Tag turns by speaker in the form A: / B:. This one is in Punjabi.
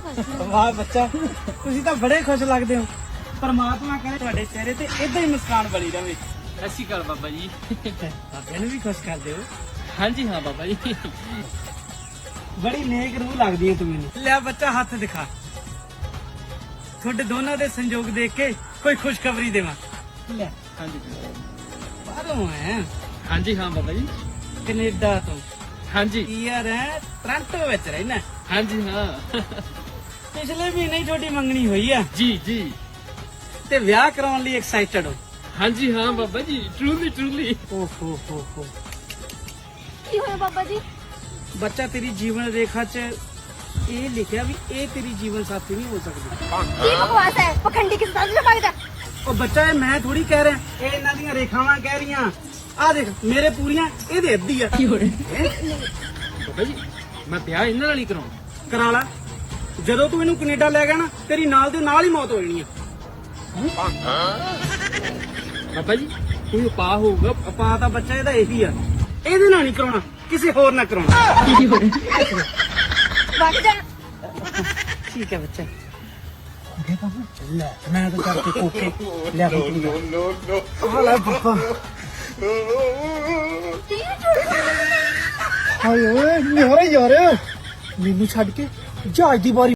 A: ਵਾਹ ਬੱਚਾ, ਤੁਸੀਂ ਤਾਂ ਬੜੇ ਖੁਸ਼ ਲੱਗਦੇ ਹੋ। ਪਰਮਾਤਮਾ ਕਰੇ ਤੁਹਾਡੇ ਚਿਹਰੇ ਤੇ ਏਦਾਂ ਹੀ ਮੁਸਕਾਨ ਬਣੀ ਰਵੇ।
B: ਸਤਿ ਸ਼੍ਰੀ ਅਕਾਲ ਬਾਬਾ ਜੀ।
A: ਬਾਬਿਆਂ ਨੂੰ ਵੀ ਖੁਸ਼ ਕਰਦੇ ਹੋ।
B: ਹਾਂਜੀ ਹਾਂ ਬਾਬਾ ਜੀ।
A: ਬੜੀ ਨੇਕ ਰੂਹ ਲੱਗਦੀ ਹੈ ਤੂੰ ਮੈਨੂੰ। ਲਿਆ ਬੱਚਾ ਹੱਥ ਦਿਖਾ। ਤੁਹਾਡੇ ਦੋਨਾਂ ਦੇ ਸੰਯੋਗ ਦੇਖ ਕੇ ਕੋਈ ਖੁਸ਼ਖਬਰੀ ਦੇਵਾਂ। ਲੈ
B: ਹਾਂਜੀ
A: ਬਾਹਰੋਂ ਹੈ।
B: ਹਾਂਜੀ ਹਾਂ ਬਾਬਾ ਜੀ।
A: ਕੈਨੇਡਾ ਤੋਂ।
B: ਹਾਂਜੀ
A: ਯਾਰ ਹੈ ਟੋਰਾਂਟੋ ਵਿੱਚ ਰਹਿਣਾ।
B: ਹਾਂਜੀ ਹਾਂ।
A: ਪਿਛਲੇ ਮਹੀਨੇ ਹੀ ਤੁਹਾਡੀ ਮੰਗਣੀ ਹੋਈ ਆ
B: ਜੀ ਜੀ।
A: ਤੇ ਵਿਆਹ ਕਰਾਉਣ ਲਈ ਐਕਸਾਈਟਡ ਹੋ।
B: ਹਾਂਜੀ ਹਾਂ ਬਾਬਾ ਜੀ, ਟਰੂਲੀ ਟਰੂਲੀ।
A: ਓ ਹੋ
C: ਕੀ ਹੋਇਆ ਬਾਬਾ ਜੀ?
A: ਬੱਚਾ ਤੇਰੀ ਜੀਵਨ ਰੇਖਾ 'ਚ ਇਹ ਲਿਖਿਆ ਵੀ ਇਹ ਤੇਰੀ ਜੀਵਨ ਸਾਥੀ ਨਹੀਂ ਹੋ ਸਕਦੀ।
C: ਕੀ ਬਕਵਾਸ ਹੈ? ਪਖੰਡੀ ਕਿਸ ਤਰ੍ਹਾਂ ਲੱਗਦਾ?
A: ਉਹ ਬੱਚਾ ਇਹ ਮੈਂ ਥੋੜੀ ਕਹਿ ਰਿਹਾ, ਇਹ ਇਹਨਾਂ ਦੀਆਂ ਰੇਖਾਵਾਂ ਕਹਿ ਰਹੀਆਂ। ਆਹ ਦੇਖ ਮੇਰੇ ਪੂਰੀਆਂ ਇਹਦੇ ਅੱਧੀ ਆ।
B: ਬਾਬਾ ਜੀ ਮੈਂ ਵਿਆਹ ਇਹਨਾਂ ਨਾਲ ਹੀ ਕਰਾਉਣਾ।
A: ਕਰਾ ਲਾ। ਜਦੋਂ ਤੂੰ ਇਹਨੂੰ ਕੈਨੇਡਾ ਲੈ ਗਿਆ ਨਾ, ਤੇਰੀ ਨਾਲ ਦੇ ਨਾਲ ਹੀ ਮੌਤ ਹੋ ਜਾਣੀ ਆ।
B: ਬਾਬਾ ਜੀ ਕੋਈ ਉਪਾਅ ਹੋਊਗਾ?
A: ਉਪਾਅ ਤਾਂ ਬੱਚਾ ਇਹਦਾ ਇਹੀ ਆ, ਇਹਦੇ ਨਾਲ ਨਹੀਂ ਕਰਾਉਣਾ, ਕਿਸੇ ਹੋਰ ਨਾਲ ਕਰਾਉਣਾ।
C: ਵਗ ਜਾ।
A: ਠੀਕ ਹੈ ਬੱਚਾ। ਲੈ ਮੈਂ ਤਾਂ ਕਰਕੇ ਕੋਕੇ ਲਿਆ ਕੇ ਆ ਲੈ ਪਾਪਾ।
C: ਕੀ ਝੂਠ?
A: ਹਾਏ ਓਏ ਨਿਹਰੇ ਯਾਰ, ਮੈਨੂੰ ਛੱਡ ਕੇ ਜਹਾਜ਼ ਦੀ ਵਾਰੀ